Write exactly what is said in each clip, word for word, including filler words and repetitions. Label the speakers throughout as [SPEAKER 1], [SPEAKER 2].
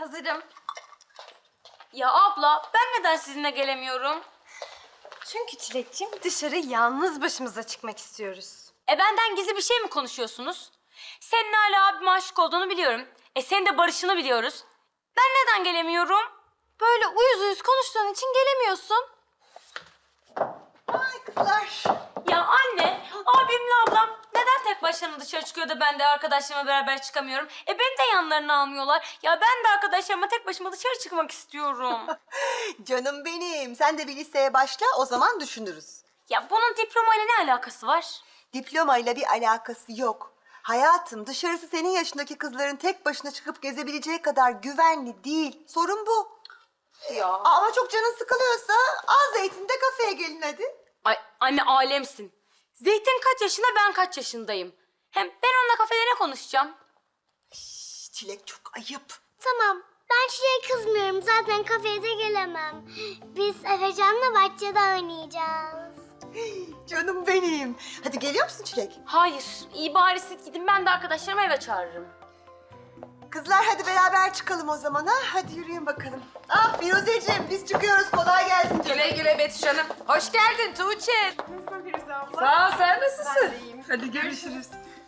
[SPEAKER 1] Hazırım. Ya abla, ben neden sizinle gelemiyorum?
[SPEAKER 2] Çünkü Çilek'ciğim dışarı yalnız başımıza çıkmak istiyoruz.
[SPEAKER 1] E benden gizli bir şey mi konuşuyorsunuz? Senin hala abime aşık olduğunu biliyorum. E senin de barışını biliyoruz. Ben neden gelemiyorum?
[SPEAKER 2] Böyle uyuz uyuz konuştuğun için gelemiyorsun.
[SPEAKER 3] Ay kızlar.
[SPEAKER 1] Ya anne, abimle ablam neden tek başlarına dışarı çıkıyor da ben de arkadaşlarımla beraber çıkamıyorum? E beni de yanlarına almıyorlar. Ya ben de arkadaşlarıma tek başıma dışarı çıkmak istiyorum.
[SPEAKER 3] Canım benim. Sen de bir liseye başla, o zaman düşünürüz.
[SPEAKER 1] Ya bunun diplomayla ne alakası var?
[SPEAKER 3] Diplomayla bir alakası yok. Hayatım, dışarısı senin yaşındaki kızların tek başına çıkıp gezebileceği kadar güvenli değil. Sorun bu.
[SPEAKER 1] Ya.
[SPEAKER 3] Ama çok canın sıkılıyorsa al Zeytin'de kafeye gelin hadi.
[SPEAKER 1] Ay anne alemsin. Zeytin kaç yaşında, ben kaç yaşındayım? Hem ben onunla kafede ne konuşacağım?
[SPEAKER 3] Şş, Çilek çok ayıp.
[SPEAKER 4] Tamam. Ben Çile'ye kızmıyorum. Zaten kafeye de gelemem. Biz Efecan'la bahçede oynayacağız.
[SPEAKER 3] Canım benim. Hadi geliyor musun Çilek?
[SPEAKER 1] Hayır, iyi bari siz gidin, ben de arkadaşlarımı eve çağırırım.
[SPEAKER 3] Kızlar hadi beraber çıkalım o zaman ha. Hadi yürüyün bakalım. Ah Firuzeciğim biz çıkıyoruz. Kolay gelsin canım.
[SPEAKER 5] Güle güle Betüş Hanım. Hoş geldin Tuğçe.
[SPEAKER 2] Nasılsın Firuze abla?
[SPEAKER 5] Sağ ol, sen nasılsın?
[SPEAKER 2] Ben de iyiyim.
[SPEAKER 5] Hadi görüşürüz.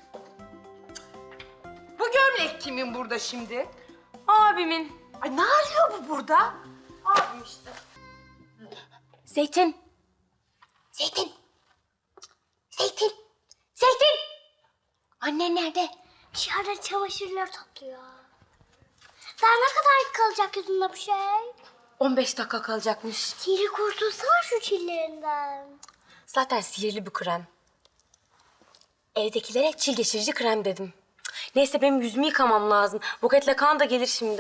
[SPEAKER 5] Bu gömlek kimin burada şimdi?
[SPEAKER 1] Abimin.
[SPEAKER 5] Ay ne arıyor bu burada?
[SPEAKER 2] Abim işte.
[SPEAKER 1] Zeytin. Zeytin. Zeytin. Zeytin. Annen nerede?
[SPEAKER 4] Dışarıda çamaşırları topluyor. Daha ne kadar kalacak yüzünde bu şey?
[SPEAKER 1] on beş dakika kalacakmış.
[SPEAKER 4] Sihri kurtulsana şu çillerinden.
[SPEAKER 1] Zaten sihirli bir krem. Evdekilere çil geçirici krem dedim. Neyse benim yüzümü yıkamam lazım. Buketle kan da gelir şimdi.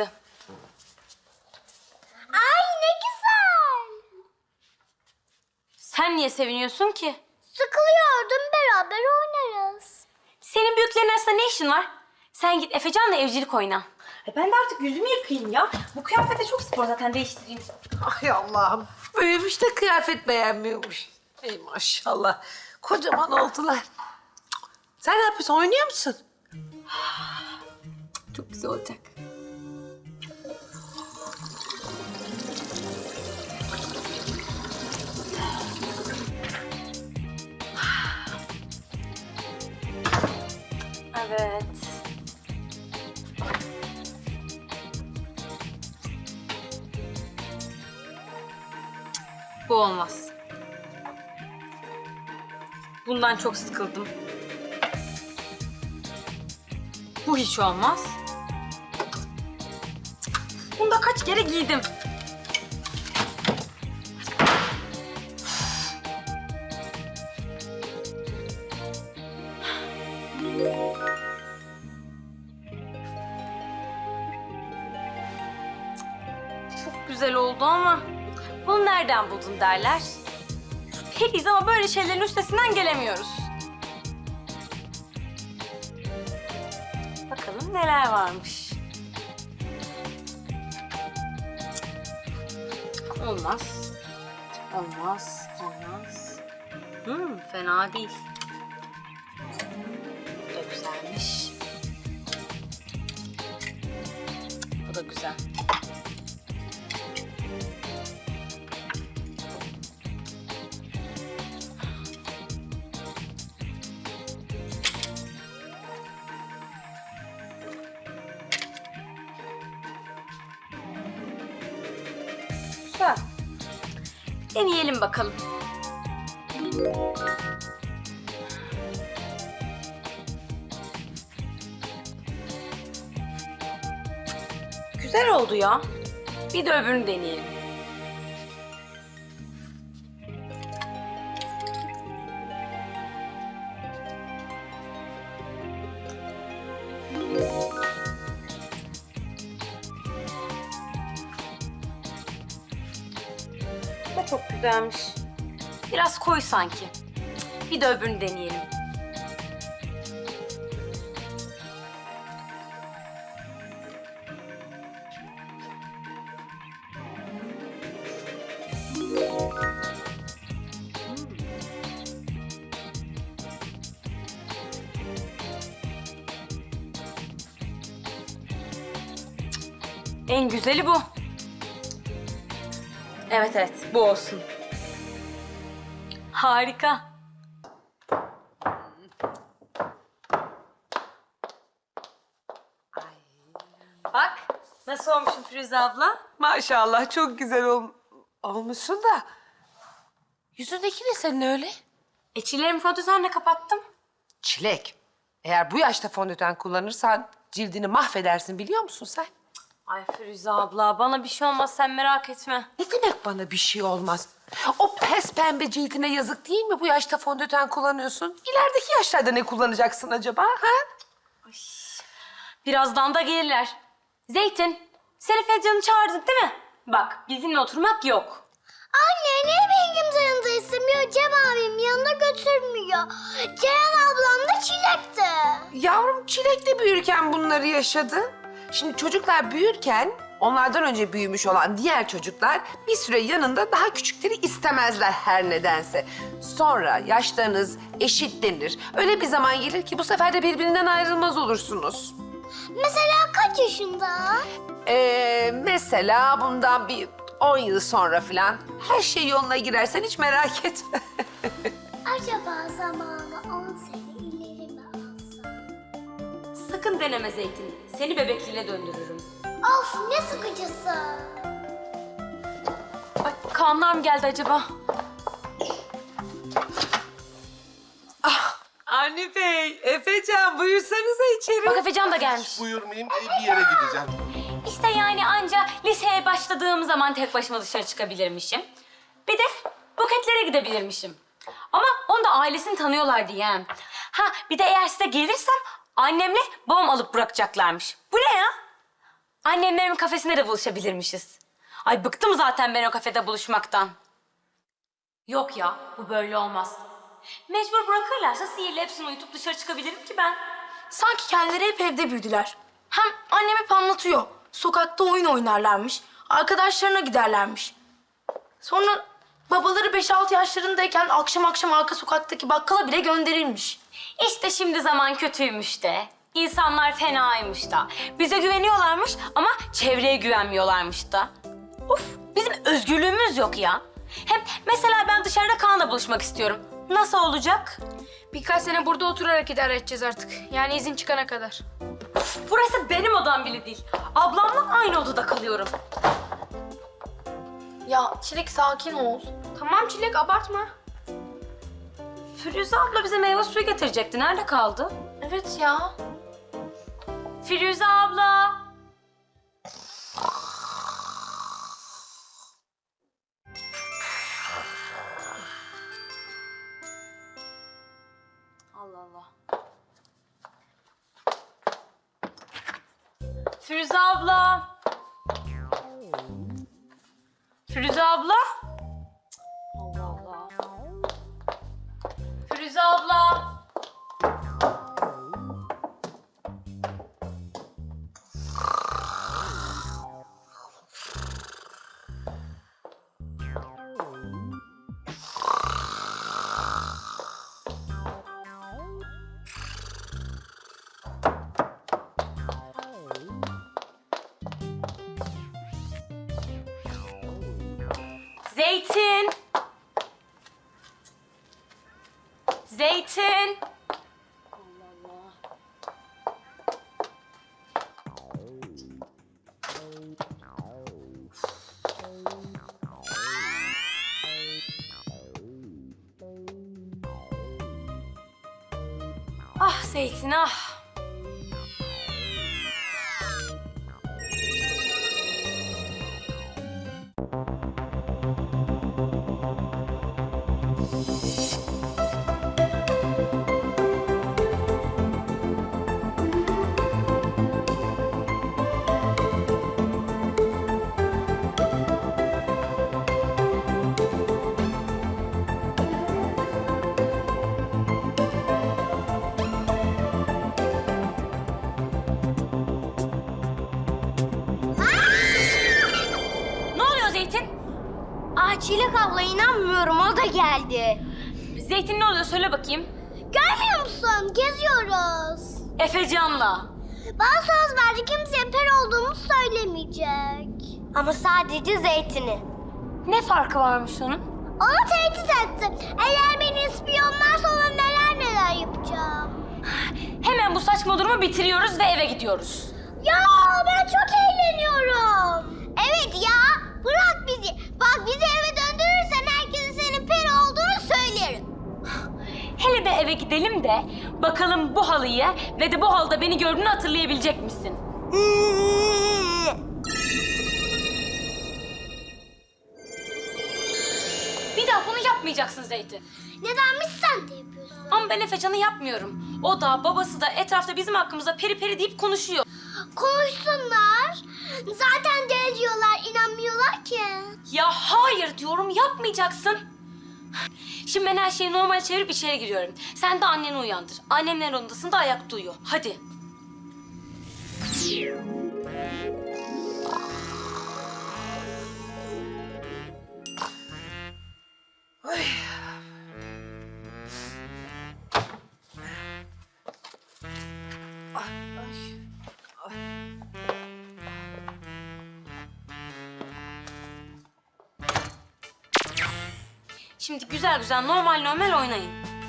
[SPEAKER 4] Ay ne güzel.
[SPEAKER 1] Sen niye seviniyorsun ki?
[SPEAKER 4] Sıkılıyordum, beraber oynarız.
[SPEAKER 1] Senin büyüklerin arasında ne işin var? Sen git Efecan'la evcilik oyna.
[SPEAKER 2] E ben de artık yüzümü yıkayayım ya. Bu kıyafete çok spor zaten, değiştireyim.
[SPEAKER 5] Ay Allah'ım. Büyümüş de kıyafet beğenmiyormuş. Ey maşallah. Kocaman oldular. Sen ne yapıyorsun? Oynuyor musun?
[SPEAKER 1] Çok güzel olacak. Evet. Bu olmaz. Bundan çok sıkıldım. Bu hiç olmaz. Bunu da kaç kere giydim. Çok güzel oldu ama bunu nereden buldun derler. Periyiz ama böyle şeylerin üstesinden gelemiyoruz. Bakalım neler varmış. Olmaz. Olmaz. Olmaz. Hmm, fena değil. Bu da güzelmiş. Bu da güzel. Güzel. Deneyelim bakalım. Güzel oldu ya. Bir de öbürünü deneyelim. Bu da çok güzelmiş. Biraz koyu sanki. Bir de öbürünü deneyelim. En güzeli bu. Evet evet, bu olsun. Harika. Bak, nasıl olmuşum Firuze abla?
[SPEAKER 5] Maşallah çok güzel ol olmuşsun da. Yüzündeki ne senin öyle?
[SPEAKER 1] E çillerimi fondötenle kapattım.
[SPEAKER 5] Çilek. Eğer bu yaşta fondöten kullanırsan cildini mahvedersin biliyor musun sen?
[SPEAKER 1] Ay Firuze abla, bana bir şey olmaz, sen merak etme.
[SPEAKER 5] Ne demek bana bir şey olmaz? O pes pembe cildine yazık değil mi bu yaşta fondöten kullanıyorsun? İlerideki yaşlarda ne kullanacaksın acaba ha?
[SPEAKER 1] Birazdan da gelirler. Zeytin, seni Feccan'ı çağırdık değil mi? Bak, bizimle oturmak yok.
[SPEAKER 4] Anne niye benim kimse yanında istemiyor? Cem abim yanına götürmüyor. Ceren ablam da çilekti.
[SPEAKER 5] Yavrum Çilek de büyürken bunları yaşadı. Şimdi çocuklar büyürken onlardan önce büyümüş olan diğer çocuklar bir süre yanında daha küçükleri istemezler her nedense. Sonra yaşlarınız eşitlenir. Öyle bir zaman gelir ki bu sefer de birbirinden ayrılmaz olursunuz.
[SPEAKER 4] Mesela kaç yaşında?
[SPEAKER 5] Ee, mesela bundan bir on yıl sonra falan her şey yoluna girersen hiç merak etme.
[SPEAKER 4] Acaba zamanı on sene ileri mi alsam?
[SPEAKER 1] Sakın deneme Zeytin. Seni bebekliğine döndürürüm.
[SPEAKER 4] Of ne sıkıcısı.
[SPEAKER 1] Ay, Kaanlar mı geldi acaba?
[SPEAKER 5] Avni Bey, Efecan buyursanıza içeri.
[SPEAKER 1] Bak Efecan da gelmiş.
[SPEAKER 6] Buyurmayayım, e, bir yere gideceğim.
[SPEAKER 1] İşte yani anca liseye başladığım zaman tek başıma dışarı çıkabilirmişim. Bir de buketlere gidebilirmişim. Ama onu da ailesini tanıyorlar diye. Ha bir de eğer size gelirsem annemle babam alıp bırakacaklarmış. Bu ne ya? Annemlerin kafesinde de buluşabilirmişiz. Ay bıktım zaten ben o kafede buluşmaktan. Yok ya, bu böyle olmaz. Mecbur bırakırlarsa sihirle hepsini uyutup dışarı çıkabilirim ki ben.
[SPEAKER 7] Sanki kendileri hep evde büyüdüler. Hem annem hep anlatıyor. Sokakta oyun oynarlarmış. Arkadaşlarına giderlermiş. Sonra babaları beş altı yaşlarındayken akşam akşam arka sokaktaki bakkala bile gönderirmiş.
[SPEAKER 1] İşte şimdi zaman kötüymüş de. İnsanlar fenaymış da. Bize güveniyorlarmış ama çevreye güvenmiyorlarmış da. Uf, bizim özgürlüğümüz yok ya. Hem mesela ben dışarıda Kaan'la buluşmak istiyorum. Nasıl olacak?
[SPEAKER 7] Birkaç sene burada oturarak idare edeceğiz artık. Yani izin çıkana kadar.
[SPEAKER 1] Burası benim odam bile değil. Ablamla aynı odada kalıyorum.
[SPEAKER 7] Ya Çilek sakin ol. Tamam Çilek abartma.
[SPEAKER 1] Firuze abla bize meyve suyu getirecekti. Nerede kaldı?
[SPEAKER 7] Evet ya.
[SPEAKER 1] Firuze abla. Allah Allah. Firuze abla. Firuze abla. Allah Allah. Firuze abla. Zeytin. Zeytin. Allah Allah. Ah Zeytin ah. Ne oluyor Zeytin?
[SPEAKER 4] Ah Çilek abla inanmıyorum o da geldi.
[SPEAKER 1] Zeytin ne oluyor söyle bakayım.
[SPEAKER 4] Görmüyor musun? Geziyoruz.
[SPEAKER 1] Efecan'la.
[SPEAKER 4] Bana söz verdi kimseye peri olduğumu söylemeyecek. Ama sadece zeytini.
[SPEAKER 1] Ne farkı varmış onun?
[SPEAKER 4] Onu tehdit etti. Eğer beni ispiyonlarsa ona neler neler yapacağım.
[SPEAKER 1] Hemen bu saçma durumu bitiriyoruz ve eve gidiyoruz.
[SPEAKER 4] Ya ben çok eğleniyorum. Evet ya, bırak bizi. Bak bizi eve döndürürsen herkese senin peri olduğunu söylerim.
[SPEAKER 1] Hele de eve gidelim de bakalım bu halıyı ve de bu halda beni gördüğünü hatırlayabilecek misin? Bir daha bunu yapmayacaksın Zeytin.
[SPEAKER 4] Nedenmiş sen de yapıyorsun?
[SPEAKER 1] Ama ben Efecan'ı yapmıyorum. O da babası da etrafta bizim hakkımızda peri peri deyip konuşuyor.
[SPEAKER 4] Konuşsunlar. Zaten deli diyorlar, inanmıyorlar ki.
[SPEAKER 1] Ya hayır diyorum, yapmayacaksın. Şimdi ben her şeyi normal çevirip içeri giriyorum. Sen de anneni uyandır. Annemler odasında ayakta uyuyor. Hadi. Şimdi güzel güzel normal normal oynayın.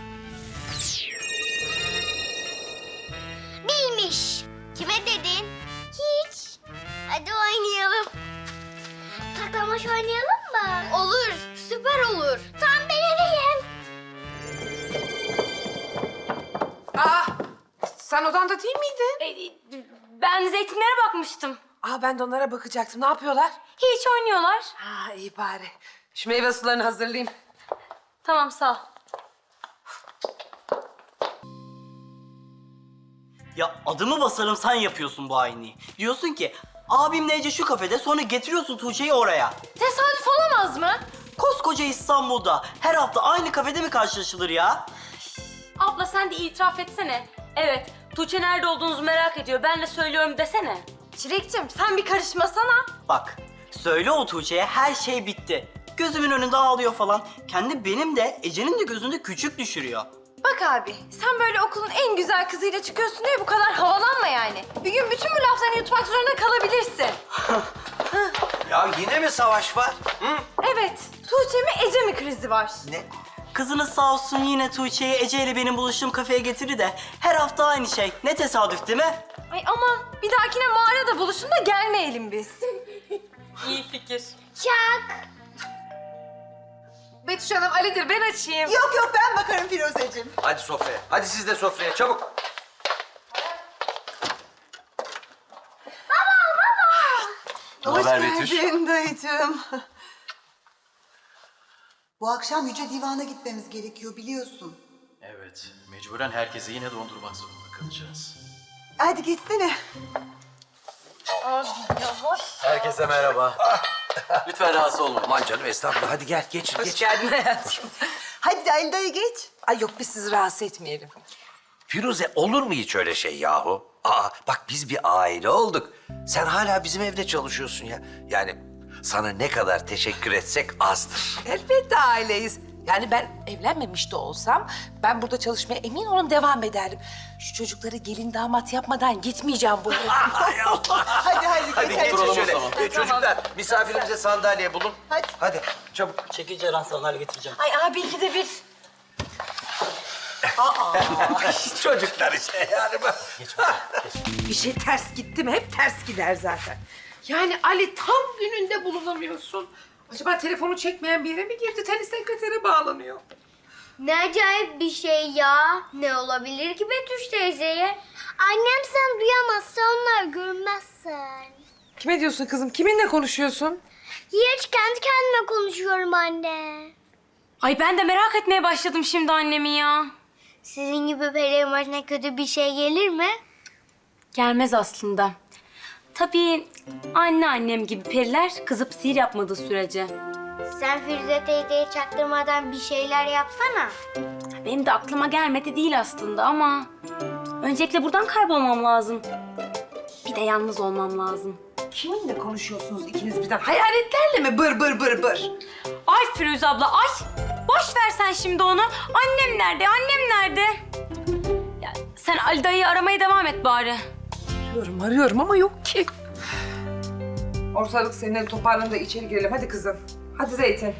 [SPEAKER 4] Bilmiş. Kime dedin? Hiç. Hadi oynayalım. Saklambaç oynayalım mı? Olur, süper olur. Tam ben eveyim.
[SPEAKER 5] Aa, sen odanda değil miydin?
[SPEAKER 1] Ee, ben zeytinlere bakmıştım.
[SPEAKER 5] Aa, ben de onlara bakacaktım. Ne yapıyorlar?
[SPEAKER 1] Hiç oynuyorlar.
[SPEAKER 5] Ha, iyi bari. Şu meyve sularını hazırlayayım.
[SPEAKER 1] Tamam sağ ol.
[SPEAKER 8] Ya adımı basarım sen yapıyorsun bu aynıyı. Diyorsun ki abimle Ece şu kafede, sonra getiriyorsun Tuğçe'yi oraya.
[SPEAKER 1] Tesadüf olamaz mı?
[SPEAKER 8] Koskoca İstanbul'da her hafta aynı kafede mi karşılaşılır ya?
[SPEAKER 1] Abla sen de itiraf etsene. Evet, Tuğçe nerede olduğunuzu merak ediyor. Ben de söylüyorum desene.
[SPEAKER 2] Çilekçim sen bir karışmasana.
[SPEAKER 8] Bak söyle o Tuğçe'ye her şey bitti. Gözümün önünde ağlıyor falan. Kendi benim de Ece'nin de gözünde küçük düşürüyor.
[SPEAKER 2] Bak abi sen böyle okulun en güzel kızıyla çıkıyorsun diye bu kadar havalanma yani. Bir gün bütün bu laflarını yutmak zorunda kalabilirsin.
[SPEAKER 9] Ya yine mi savaş var? Hı?
[SPEAKER 2] Evet, Tuğçe mi Ece mi krizi var?
[SPEAKER 9] Ne?
[SPEAKER 8] Kızınız sağ olsun yine Tuğçe'yi Ece ile benim buluştuğum kafeye getirir de her hafta aynı şey. Ne tesadüf değil mi?
[SPEAKER 2] Ay aman bir dahakine mağarada buluşun da gelmeyelim biz.
[SPEAKER 1] İyi fikir.
[SPEAKER 4] Çak.
[SPEAKER 2] Betüş Hanım Ali'dir ben açayım.
[SPEAKER 3] Yok yok ben bakarım Firuzeciğim.
[SPEAKER 9] Hadi sofraya. Hadi siz de sofraya çabuk.
[SPEAKER 3] Hoş
[SPEAKER 9] haber Betüş?
[SPEAKER 3] geldin dayıcığım. Bu akşam Yüce Divan'a gitmemiz gerekiyor biliyorsun.
[SPEAKER 10] Evet, mecburen herkese yine dondurmak zorunda kalacağız.
[SPEAKER 3] Hadi geçsene.
[SPEAKER 10] Herkese merhaba. Lütfen rahatsız olmayın.
[SPEAKER 9] Aman canım estağfurullah. Hadi gel geç
[SPEAKER 5] Hoş
[SPEAKER 9] geç.
[SPEAKER 5] geldin hayatım.
[SPEAKER 3] Hadi Ali dayı geç.
[SPEAKER 5] Ay yok biz sizi rahatsız etmeyelim.
[SPEAKER 9] Firuze olur mu hiç öyle şey yahu? Aa bak biz bir aile olduk. Sen hala bizim evde çalışıyorsun ya. Yani sana ne kadar teşekkür etsek azdır.
[SPEAKER 5] Elbette aileyiz. Yani ben evlenmemiş de olsam ben burada çalışmaya emin olun devam ederdim. Şu çocukları gelin damat yapmadan gitmeyeceğim bu eve.
[SPEAKER 9] Ay Allah.
[SPEAKER 3] Hadi hadi geç.
[SPEAKER 9] Hadi
[SPEAKER 3] hadi.
[SPEAKER 9] geçin şöyle. Ee, çocuklar misafirimize sandalye bulun.
[SPEAKER 3] Hadi.
[SPEAKER 9] Hadi çabuk.
[SPEAKER 8] Çekil Ceren sandalye getireceğim.
[SPEAKER 2] Ay abi iki de bir.
[SPEAKER 9] Çocuklar işte yani bak.
[SPEAKER 5] Bir şey ters gitti mi hep ters gider zaten. Yani Ali tam gününde bulunamıyorsun. Acaba telefonu çekmeyen bir yere mi girdi? Tenis sekretere bağlanıyor.
[SPEAKER 4] Ne acayip bir şey ya. Ne olabilir ki Betüş teyzeye? Annem sen duyamazsa onlar görmezsen.
[SPEAKER 5] Kime diyorsun kızım? Kiminle konuşuyorsun?
[SPEAKER 4] Hiç kendi kendime konuşuyorum anne.
[SPEAKER 1] Ay ben de merak etmeye başladım şimdi annemi ya.
[SPEAKER 4] Sizin gibi perilerin başına kötü bir şey gelir mi?
[SPEAKER 1] Gelmez aslında. Tabii anneannem gibi periler kızıp sihir yapmadığı sürece.
[SPEAKER 4] Sen Firuze teyzeye çaktırmadan bir şeyler yapsana.
[SPEAKER 1] Benim de aklıma gelmedi değil aslında ama... Öncelikle buradan kaybolmam lazım. Bir de yalnız olmam lazım.
[SPEAKER 5] Kiminle konuşuyorsunuz ikiniz birden? Hayaletlerle mi bır bır bır bır?
[SPEAKER 1] Ay Firuze abla ay! Boş ver sen şimdi onu. Annem nerede? Annem nerede? Ya, sen Ali dayıyı aramaya devam et bari.
[SPEAKER 5] Arıyorum arıyorum ama yok ki. Ortalık seninle toparlanın da içeri girelim. Hadi kızım. Hadi Zeytin.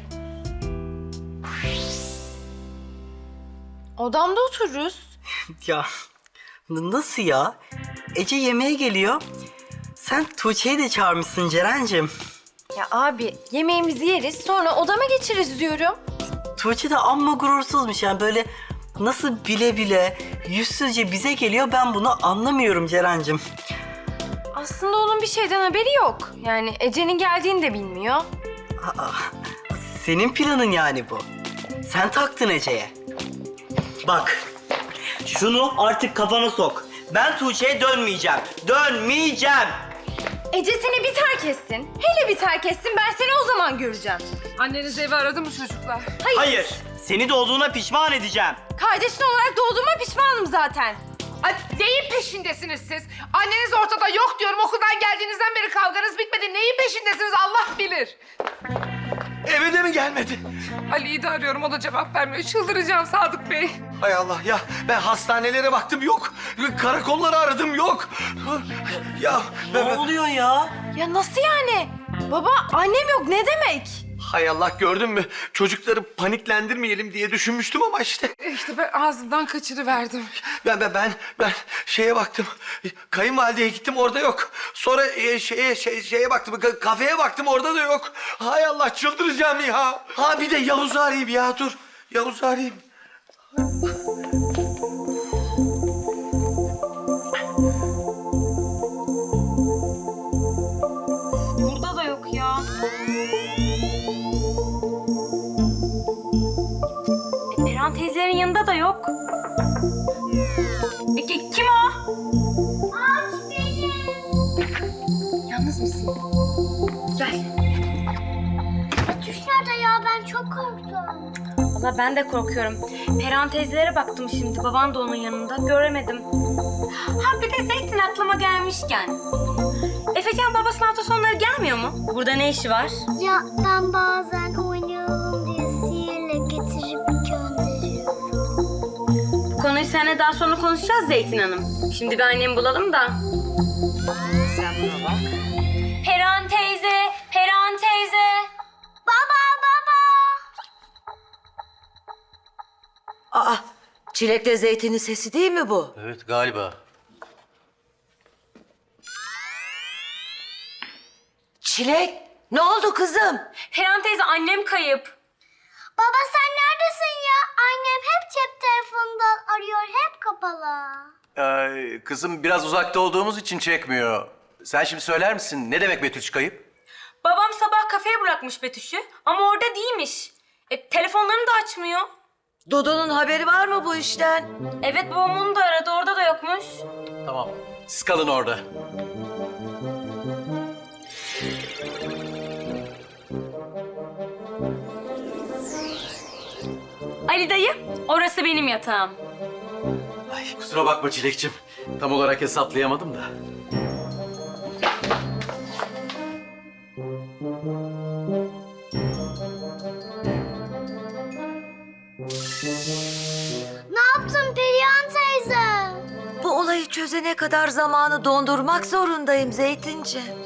[SPEAKER 2] Odamda otururuz.
[SPEAKER 8] Ya n- nasıl ya? Ece yemeğe geliyor. Sen Tuğçe'yi de çağırmışsın Ceren'cim.
[SPEAKER 2] Ya abi yemeğimizi yeriz sonra odama geçeriz diyorum.
[SPEAKER 8] Tuğçe de amma gurursuzmuş yani böyle nasıl bile bile yüzsüzce bize geliyor ben bunu anlamıyorum Ceren'cim.
[SPEAKER 2] Aslında onun bir şeyden haberi yok. Yani Ece'nin geldiğini de bilmiyor.
[SPEAKER 8] Aa, senin planın yani bu. Sen taktın Ece'ye. Bak, şunu artık kafana sok. Ben Tuğçe'ye dönmeyeceğim. Dönmeyeceğim.
[SPEAKER 2] Ece seni bir terk etsin. Hele bir terk etsin ben seni o zaman göreceğim.
[SPEAKER 5] Anneniz evi aradı mı çocuklar?
[SPEAKER 2] Hayır.
[SPEAKER 8] Hayır. Seni doğduğuna pişman edeceğim.
[SPEAKER 2] Kardeşin olarak doğduğuma pişmanım zaten.
[SPEAKER 5] Ay, neyin peşindesiniz siz? Anneniz ortada yok diyorum. Okuldan geldiğinizden beri kavganız bitmedi. Neyin peşindesiniz Allah bilir.
[SPEAKER 6] Eve de mi gelmedi?
[SPEAKER 5] Ali'yi de arıyorum. O da cevap vermiyor. Çıldıracağım Sadık Bey.
[SPEAKER 6] Hay Allah ya, ben hastanelere baktım yok. Karakolları aradım yok. Ya ben...
[SPEAKER 8] Ne oluyor ya?
[SPEAKER 2] Ya nasıl yani? Baba annem yok ne demek?
[SPEAKER 6] Hay Allah, gördün mü? Çocukları paniklendirmeyelim diye düşünmüştüm ama işte.
[SPEAKER 5] İşte ben ağzımdan kaçırıverdim.
[SPEAKER 6] Ben ben ben ben şeye baktım. Kayınvalideye gittim orada yok. Sonra e, şeye şey, şeye baktım. ka- Kafeye baktım orada da yok. Hay Allah, çıldıracağım ya. Ha bir de Yavuz'u arayayım ya, dur. Yavuz'u arayayım.
[SPEAKER 1] Burada da yok ya. E, Perihan teyzelerin yanında da yok. E, ki- kim o?
[SPEAKER 4] Aç beni.
[SPEAKER 2] Yalnız mısın? Gel.
[SPEAKER 4] Betüş nerede ya? Ben çok korktum.
[SPEAKER 1] Valla ben de korkuyorum. Perihan teyzelere baktım şimdi. Baban da onun yanında. Göremedim. Ha bir de Zeytin aklıma gelmişken. Efekan babasının hafta sonları gelmiyor mu? Burada ne işi var?
[SPEAKER 4] Ya ben bazen oynayalım diye sihirle getirip gönderiyorum.
[SPEAKER 1] Bu konuyu seninle daha sonra konuşacağız Zeytin Hanım. Şimdi bir annemi bulalım da.
[SPEAKER 2] Sen buna bak.
[SPEAKER 1] Perihan teyze, Perihan teyze.
[SPEAKER 4] Baba baba.
[SPEAKER 11] Aa, Çilek'le Zeytin'in sesi değil mi bu?
[SPEAKER 10] Evet galiba.
[SPEAKER 11] Çilek, ne oldu kızım?
[SPEAKER 1] Perihan teyze annem kayıp.
[SPEAKER 4] Baba sen neredesin ya? Annem hep cep telefonundan arıyor. Hep kapalı.
[SPEAKER 10] Ee, kızım biraz uzakta olduğumuz için çekmiyor. Sen şimdi söyler misin ne demek Betüş kayıp?
[SPEAKER 1] Babam sabah kafeye bırakmış Betüş'ü ama orada değilmiş. E, telefonlarını da açmıyor.
[SPEAKER 11] Dudu'nun haberi var mı bu işten?
[SPEAKER 1] Evet babam onu da aradı orada da yokmuş.
[SPEAKER 10] Tamam. Siz kalın orada.
[SPEAKER 1] Ali dayı orası benim yatağım.
[SPEAKER 10] Ay kusura bakma Çilekçim. Tam olarak hesaplayamadım da.
[SPEAKER 4] Ne yaptın Perihan teyze?
[SPEAKER 11] Bu olayı çözene kadar zamanı dondurmak zorundayım Zeytinciğim.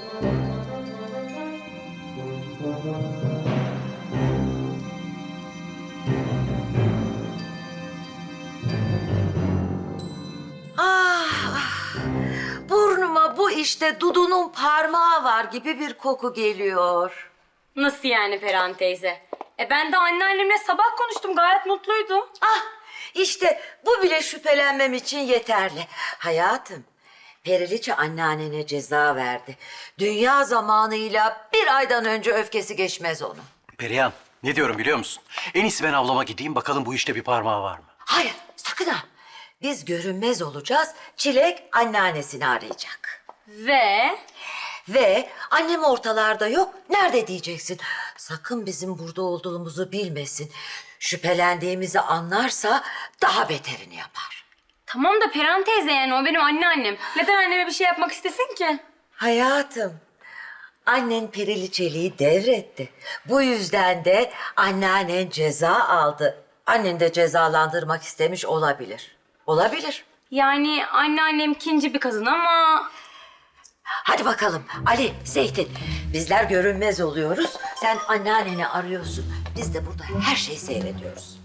[SPEAKER 11] Ah, ah. Burnuma bu işte Dudu'nun parmağı var gibi bir koku geliyor.
[SPEAKER 1] Nasıl yani Perihan teyze? E ben de anneannemle sabah konuştum gayet mutluydu.
[SPEAKER 11] Ah, işte bu bile şüphelenmem için yeterli. Hayatım, Periliçe anneannene ceza verdi. Dünya zamanıyla bir aydan önce öfkesi geçmez onun.
[SPEAKER 10] Perihan ne diyorum biliyor musun? En iyisi ben avlama gideyim bakalım bu işte bir parmağı var mı?
[SPEAKER 11] Hayır, sakın ha. Biz görünmez olacağız, Çilek anneannesini arayacak.
[SPEAKER 1] Ve
[SPEAKER 11] Ve annem ortalarda yok, nerede diyeceksin? Sakın bizim burada olduğumuzu bilmesin. Şüphelendiğimizi anlarsa daha beterini yapar.
[SPEAKER 1] tamam da Perihan teyze yani o benim anneannem. Neden anneme bir şey yapmak istesin ki?
[SPEAKER 11] Hayatım, annen Periliçeliği devretti. Bu yüzden de anneannen ceza aldı. Annen de cezalandırmak istemiş olabilir. Olabilir.
[SPEAKER 1] Yani anneannem ikinci bir kadın ama...
[SPEAKER 11] Hadi bakalım Ali, Zeytin. Bizler görünmez oluyoruz. Sen anneanneni arıyorsun. Biz de burada her şeyi seyrediyoruz.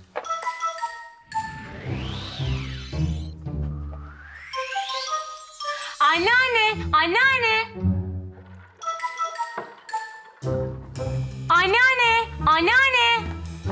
[SPEAKER 1] Anneanne, anneanne. Anneanne, anneanne.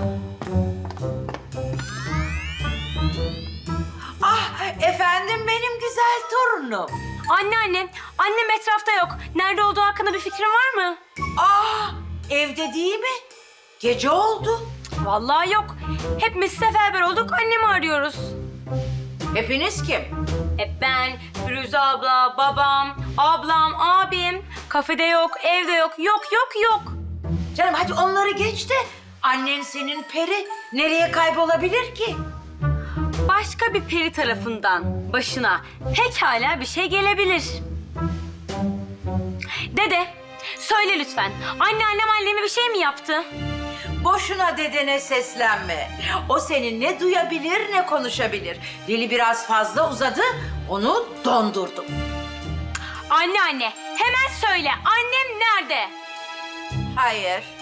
[SPEAKER 11] Ah efendim benim güzel torunum.
[SPEAKER 1] Anneanne, annem etrafta yok. Nerede olduğu hakkında bir fikrin var mı?
[SPEAKER 11] Ah evde değil mi? Gece oldu.
[SPEAKER 1] Vallahi yok. Hepimiz seferber olduk, annemi arıyoruz.
[SPEAKER 11] Hepiniz kim?
[SPEAKER 1] E ben, Firuze abla, babam, ablam, abim. Kafede yok, evde yok, yok yok yok.
[SPEAKER 11] Canım hadi onları geç de annen senin peri nereye kaybolabilir ki?
[SPEAKER 1] Başka bir peri tarafından başına pekala bir şey gelebilir. Dede, söyle lütfen. Anneannem anneme bir şey mi yaptı?
[SPEAKER 11] Boşuna dedene seslenme. O seni ne duyabilir ne konuşabilir. Dili biraz fazla uzadı, onu dondurdum.
[SPEAKER 1] Anneanne, hemen söyle. Annem nerede?
[SPEAKER 11] Hayır,